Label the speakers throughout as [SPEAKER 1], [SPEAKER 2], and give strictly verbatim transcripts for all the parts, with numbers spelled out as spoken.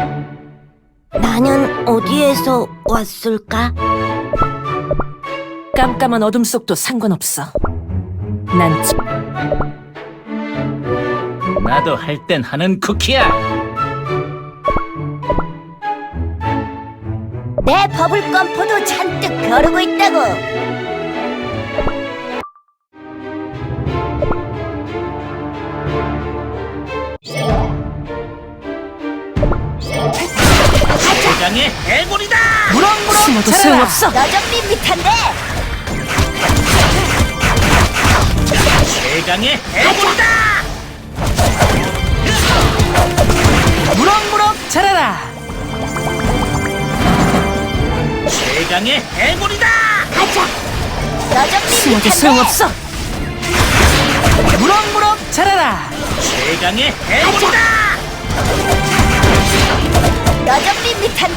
[SPEAKER 1] 나는 어디에서 왔을까?
[SPEAKER 2] 깜깜한 어둠 속도 상관없어. 난 지-
[SPEAKER 3] 나도 할 땐 하는 쿠키야.
[SPEAKER 1] 내 버블껌포도 잔뜩 벼르고 있다고.
[SPEAKER 3] 대강의 해골이다.
[SPEAKER 2] 무럭무럭 숨어도
[SPEAKER 3] 자라라.
[SPEAKER 2] 소용없어.
[SPEAKER 1] 너 좀 밋밋한데?
[SPEAKER 3] 대강의 해골이다.
[SPEAKER 2] 무럭무럭 자라라.
[SPEAKER 3] 대강의 해골이다.
[SPEAKER 1] 가자. 너 좀
[SPEAKER 2] 숨어도
[SPEAKER 1] 밋밋한데?
[SPEAKER 2] 소용없어. 무럭무럭 자라라.
[SPEAKER 3] 대강의 해골이다.
[SPEAKER 1] 너 좀 밋밋한데?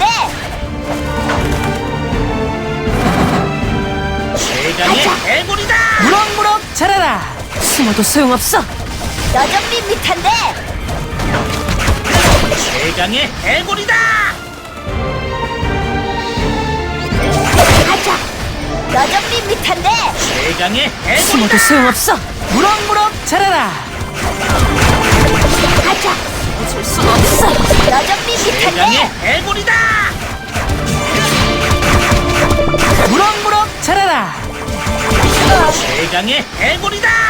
[SPEAKER 3] 대강의 해골이다.
[SPEAKER 2] 무럭무럭 자라라. 숨어도 소용없어.
[SPEAKER 1] 너 좀 밋밋한데?
[SPEAKER 3] 대강의 해골이다.
[SPEAKER 1] 가자. 너 좀 밋밋한데?
[SPEAKER 3] 대강의 해골이다.
[SPEAKER 2] 숨어도 소용없어. 무럭무럭 자라라.
[SPEAKER 1] 가자.
[SPEAKER 2] 줄 수가 없어.
[SPEAKER 1] 너 좀
[SPEAKER 3] 대강의
[SPEAKER 1] 밋밋한데?
[SPEAKER 3] 해골이다.
[SPEAKER 2] 무럭무럭 자라라.
[SPEAKER 3] 대강의 해골이다.